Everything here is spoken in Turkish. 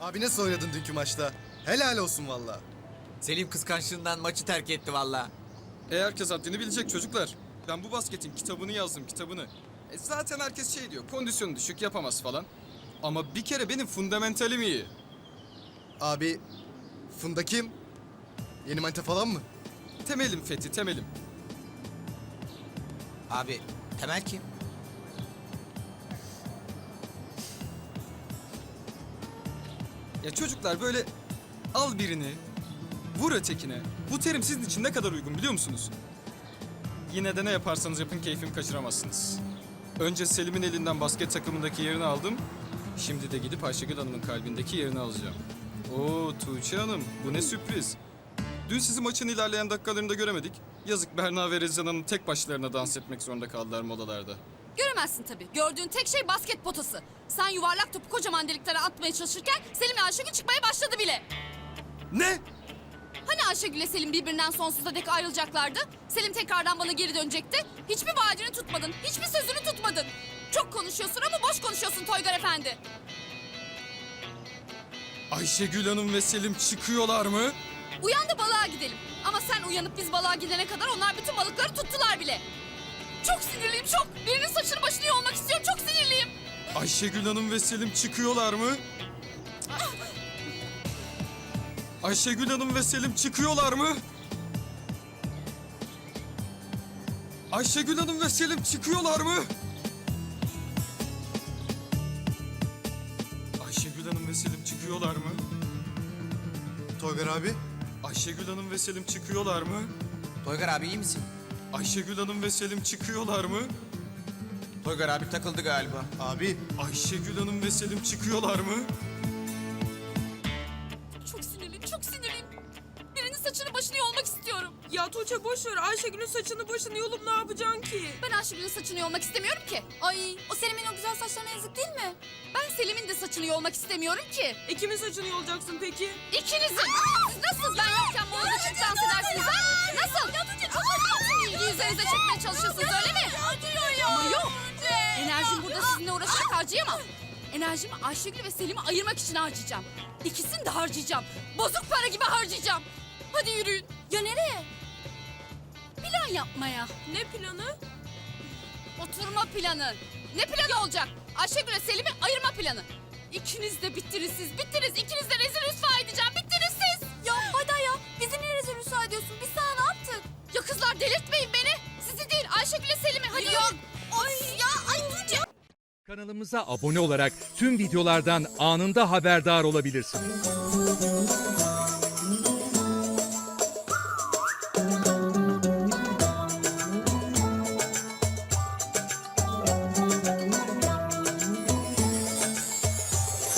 Abi nasıl oynadın dünkü maçta? Helal olsun valla. Selim kıskançlığından maçı terk etti valla. Herkes haddini bilecek çocuklar. Ben bu basketin kitabını yazdım, kitabını. Zaten herkes şey diyor, kondisyonu düşük, yapamaz falan. Ama bir kere benim fundamentalim iyi. Abi Funda kim? Yeni manita falan mı? Temelim Fethi, temelim. Abi Temel kim? Ya çocuklar böyle al birini, vur ötekine. Bu terim sizin için ne kadar uygun biliyor musunuz? Yine de ne yaparsanız yapın keyfimi kaçıramazsınız. Önce Selim'in elinden basket takımındaki yerini aldım. Şimdi de gidip Ayşegül Hanım'ın kalbindeki yerini alacağım. Oo Tuğçe Hanım, bu ne sürpriz. Dün sizi maçın ilerleyen dakikalarında göremedik. Yazık Berna ve Rezan Hanım tek başlarına dans etmek zorunda kaldılar modalarda. Göremezsin tabii. Gördüğün tek şey basket potası. Sen yuvarlak topu kocaman deliklere atmaya çalışırken Selim ve Ayşegül çıkmaya başladı bile. Ne? Hani Ayşegül ile Selim birbirinden sonsuza dek ayrılacaklardı? Selim tekrardan bana geri dönecekti. Hiçbir vaadini tutmadın, hiçbir sözünü tutmadın. Çok konuşuyorsun ama boş konuşuyorsun Toygar Efendi. Ayşegül Hanım ve Selim çıkıyorlar mı? Uyan da balığa gidelim. Ama sen uyanıp biz balığa gidene kadar onlar bütün balıkları tuttular bile. Çok sinirliyim çok. Birinin saçını başını yolmak istiyorum. Çok sinirliyim. Ayşegül Hanım ve Selim çıkıyorlar mı? Ayşegül Hanım ve Selim çıkıyorlar mı? Ayşegül Hanım ve Selim çıkıyorlar mı? Ayşegül Hanım ve Selim çıkıyorlar mı? Toygar abi. Ayşegül Hanım ve Selim çıkıyorlar mı? Toygar abi iyi misin? Ayşegül Hanım ve Selim çıkıyorlar mı? Toygar abi takıldı galiba. Abi Ayşegül Hanım ve Selim çıkıyorlar mı? Çok sinirliyim, çok sinirliyim. Birinin saçını başını yolmak istiyorum. Ya Tuğçe boş ver. Ayşegül'ün saçını başını yolup ne yapacaksın ki? Ben Ayşegül'ün saçını yolmak istemiyorum ki. Ay, o Selim'in o güzel saçlarına yazık değil mi? Ben Selim'in de saçını yolmak istemiyorum ki. Kimin saçını yolacaksın peki? İkinizin. Siz nasıl ben yokken bu odada çık dans edersiniz ha? Nasıl? Bütün ilgiyi üzerinize çekmeye çalışıyorsunuz öyle mi? Ama yok. Enerjimi burada sizinle uğraşarak harcayamam. Enerjimi Ayşegül ve Selim'i ayırmak için harcayacağım. İkisini de harcayacağım. Bozuk para gibi harcayacağım. Hadi yürüyün. Ya nereye? Plan yapmaya. Ne planı? Oturma planı. Ne planı olacak? Ayşegül ve Selim'i ayırma planı. İkiniz de bittiniz siz. Bittiniz. İkiniz de rezil rüsva edeceğim. Bittiniz siz. Ya hadi ya. Bizi niye rezil rüsva ediyorsun? Biz sana ne yaptık? Ya kızlar delirtmeyin beni. Sizi değil Ayşegül ve Selim'i. Hadi yok. Ay ya. Ay Tuğçe. Kanalımıza abone olarak tüm videolardan anında haberdar olabilirsiniz.